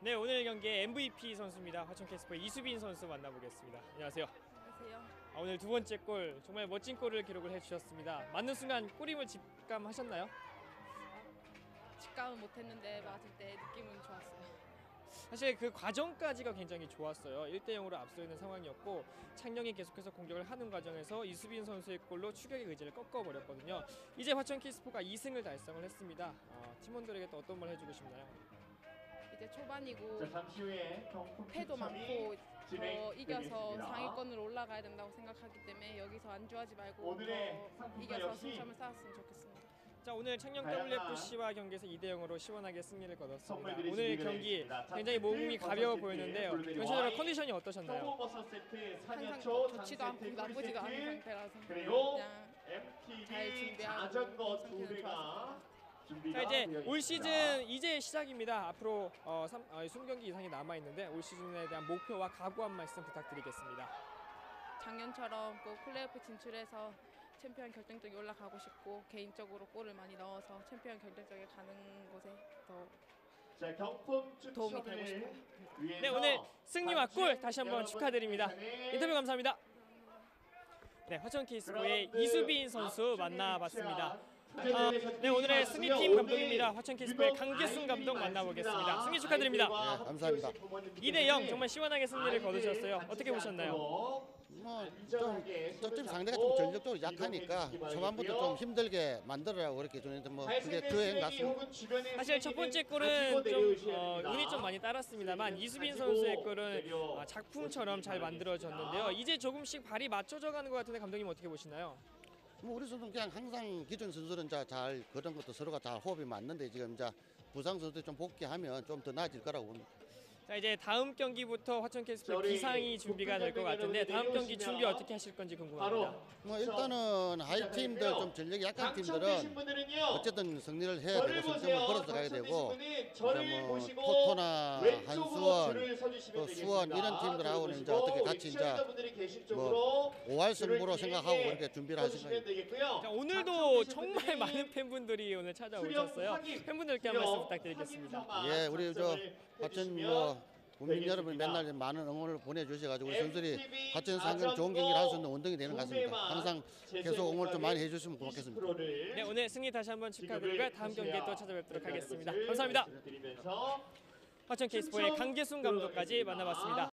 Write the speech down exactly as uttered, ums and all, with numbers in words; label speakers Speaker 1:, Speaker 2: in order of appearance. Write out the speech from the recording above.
Speaker 1: 네, 오늘 경기의 엠브이피 선수입니다. 화천 캐스퍼의 이수빈 선수 만나보겠습니다. 안녕하세요.
Speaker 2: 안녕하세요.
Speaker 1: 아, 오늘 두 번째 골, 정말 멋진 골을 기록을 해주셨습니다. 맞는 순간 골임을 직감하셨나요?
Speaker 2: 직감은 못했는데 맞을 때 느낌은 좋았어요.
Speaker 1: 사실 그 과정까지가 굉장히 좋았어요. 일 대 영으로 앞서 있는 상황이었고 창녕이 계속해서 공격을 하는 과정에서 이수빈 선수의 골로 추격의 의지를 꺾어버렸거든요. 이제 화천 캐스퍼가 이 승을 달성을 했습니다. 어, 팀원들에게 또 어떤 말 해주고 싶나요?
Speaker 2: 이제 초반이고
Speaker 3: 자, 잠시 후에
Speaker 2: 패도 많고 더 이겨서
Speaker 3: 되겠습니다.
Speaker 2: 상위권으로 올라가야 된다고 생각하기 때문에 여기서 안주하지 말고
Speaker 3: 오늘의
Speaker 2: 더
Speaker 3: 상품과
Speaker 2: 이겨서
Speaker 3: 역시
Speaker 2: 승점을 쌓았으면 좋겠습니다.
Speaker 1: 자, 오늘 창녕 더블유에프씨와 경기에서 이 대 영으로 시원하게 승리를 거뒀습니다.
Speaker 3: 선물들이
Speaker 1: 오늘
Speaker 3: 준비가
Speaker 1: 경기
Speaker 3: 되어
Speaker 1: 굉장히 몸이 가벼워 보였는데요. 전체적으로 컨디션이 어떠셨나요?
Speaker 3: 청보버섯 세트,
Speaker 2: 항상
Speaker 3: 사년초,
Speaker 2: 좋지도 않고
Speaker 3: 세트,
Speaker 2: 나쁘지도 않은
Speaker 3: 세트,
Speaker 2: 상태라서
Speaker 3: 그리고
Speaker 2: 그냥 잘
Speaker 3: 엠티비
Speaker 2: 준비하고
Speaker 3: 자전거 두
Speaker 2: 상태는
Speaker 3: 대가
Speaker 2: 좋았습니다.
Speaker 3: 준비가
Speaker 1: 자, 이제
Speaker 3: 되어
Speaker 1: 올
Speaker 3: 있습니다.
Speaker 1: 시즌 이제 시작입니다. 앞으로 어, 삼, 어, 이십 경기 이상이 남아 있는데 올 시즌에 대한 목표와 각오 한 말씀 부탁드리겠습니다.
Speaker 2: 작년처럼 꼭 플레이오프 진출해서 챔피언 결정적에 올라가고 싶고 개인적으로 골을 많이 넣어서 챔피언 결정적에 가는 곳에 더
Speaker 3: 자, 경품
Speaker 2: 도움이 되고
Speaker 3: 추첨을
Speaker 2: 싶어요.
Speaker 3: 위해서
Speaker 1: 네, 오늘 승리와 골 다시 한번
Speaker 3: 여러분
Speaker 1: 축하드립니다.
Speaker 3: 시간에
Speaker 1: 인터뷰 감사합니다. 네, 화천 캐스퍼의
Speaker 3: 그라운드
Speaker 1: 이수빈 선수
Speaker 3: 앞쪽에
Speaker 1: 만나봤습니다.
Speaker 3: 위치한
Speaker 1: 아, 네, 오늘의 승리팀 감독입니다.
Speaker 3: 오늘
Speaker 1: 화천 캐스퍼의
Speaker 3: 유독
Speaker 1: 강기순 감독
Speaker 3: 아이들이
Speaker 1: 만나보겠습니다.
Speaker 3: 많습니다.
Speaker 1: 승리 축하드립니다.
Speaker 3: 아이들과
Speaker 4: 네, 감사합니다.
Speaker 3: 함께 오신 부모님들께
Speaker 1: 이 대 영 정말 시원하게 승리를
Speaker 3: 아이들
Speaker 1: 거두셨어요.
Speaker 3: 다치지
Speaker 1: 어떻게 보셨나요?
Speaker 3: 않도록
Speaker 4: 뭐좀
Speaker 3: 안전하게
Speaker 4: 저쪽
Speaker 3: 손을
Speaker 4: 상대가
Speaker 3: 잡고
Speaker 4: 좀 전력적으로 약하니까
Speaker 3: 이동해
Speaker 4: 초반부터
Speaker 3: 주시기
Speaker 4: 좀 힘들게 만들으라고 그렇게 주는데 뭐 그게
Speaker 3: 잘생긴
Speaker 4: 그행
Speaker 3: 쓰레기
Speaker 4: 같습니다.
Speaker 3: 혹은 주변의
Speaker 1: 사실 첫 번째
Speaker 3: 쓰레기는
Speaker 1: 골은
Speaker 3: 가지고
Speaker 1: 좀
Speaker 3: 내려오셔야
Speaker 1: 어,
Speaker 3: 됩니다.
Speaker 1: 운이 좀 많이 따랐습니다만 이수빈
Speaker 3: 가지고
Speaker 1: 선수의 골은
Speaker 3: 내려
Speaker 1: 아, 작품처럼 잘 만들어졌는데요. 이제 조금씩 발이 맞춰져 가는 것 같은데 감독님 어떻게 보시나요?
Speaker 4: 뭐 우리 선수는 그냥 항상 기존 선수는 자, 잘 그런 것도 서로가 다 호흡이 맞는데 지금 이제 부상 선수들 좀 복귀하면 좀 더 나아질 거라고 봅니다.
Speaker 1: 자, 이제 다음 경기부터 화천 캐스퍼
Speaker 3: 저희
Speaker 1: 기상이 준비가 될 것 같은데 다음 경기 준비 어떻게 하실 건지 궁금합니다.
Speaker 3: 바로
Speaker 4: 뭐 일단은 하이 팀들 좀 전력이 약한
Speaker 3: 당첨되신
Speaker 4: 팀들은
Speaker 3: 분들은요.
Speaker 4: 어쨌든 승리를 해야
Speaker 3: 저를
Speaker 4: 되고
Speaker 3: 보세요.
Speaker 4: 승점을 걸어서 가야 되고
Speaker 3: 당첨되신 분은 저를
Speaker 4: 이제 뭐
Speaker 3: 보시고
Speaker 4: 토토나
Speaker 3: 왼쪽으로
Speaker 4: 한수원
Speaker 3: 줄을 서주시면
Speaker 4: 또 수원
Speaker 3: 되겠습니다.
Speaker 4: 이런 팀들하고는
Speaker 3: 저를
Speaker 4: 이제
Speaker 3: 보시고
Speaker 4: 어떻게
Speaker 3: 우리
Speaker 4: 같이 이제
Speaker 3: 시청자분들이 계신
Speaker 4: 뭐
Speaker 3: 쪽으로
Speaker 4: 오할
Speaker 3: 줄을
Speaker 4: 승부로
Speaker 3: 길게
Speaker 4: 생각하고 그렇게 준비를 하신
Speaker 3: 서주시면
Speaker 4: 거예요.
Speaker 3: 되겠고요.
Speaker 1: 자, 오늘도
Speaker 3: 당첨되신
Speaker 1: 정말
Speaker 3: 분들이
Speaker 1: 많은 팬분들이 오늘
Speaker 3: 수령
Speaker 1: 찾아오셨어요.
Speaker 3: 확인,
Speaker 1: 팬분들께 한 말씀
Speaker 3: 수령
Speaker 1: 부탁드리겠습니다.
Speaker 3: 확인서만
Speaker 4: 예, 우리 저
Speaker 3: 작성을
Speaker 4: 화천
Speaker 3: 해주시면
Speaker 4: 뭐 국민
Speaker 3: 되겠습니다.
Speaker 4: 여러분 맨날 많은 응원을 보내주셔가지고 우리 선수들이
Speaker 3: 엠티비
Speaker 4: 화천에서 항상 좋은 경기를 할 수 있는 원동이 되는 것 같습니다.
Speaker 3: 두
Speaker 4: 항상
Speaker 3: 대만
Speaker 4: 계속 응원 좀 많이
Speaker 3: 제재
Speaker 4: 해주시면 고맙겠습니다.
Speaker 3: 이십 퍼센트를
Speaker 1: 네, 오늘 승리 다시 한번 축하드리고요. 다음 경기에 또 찾아뵙도록 하겠습니다. 감사합니다.
Speaker 3: 말씀드리면서
Speaker 1: 화천 캐스퍼의 강계순 감독까지 만나봤습니다.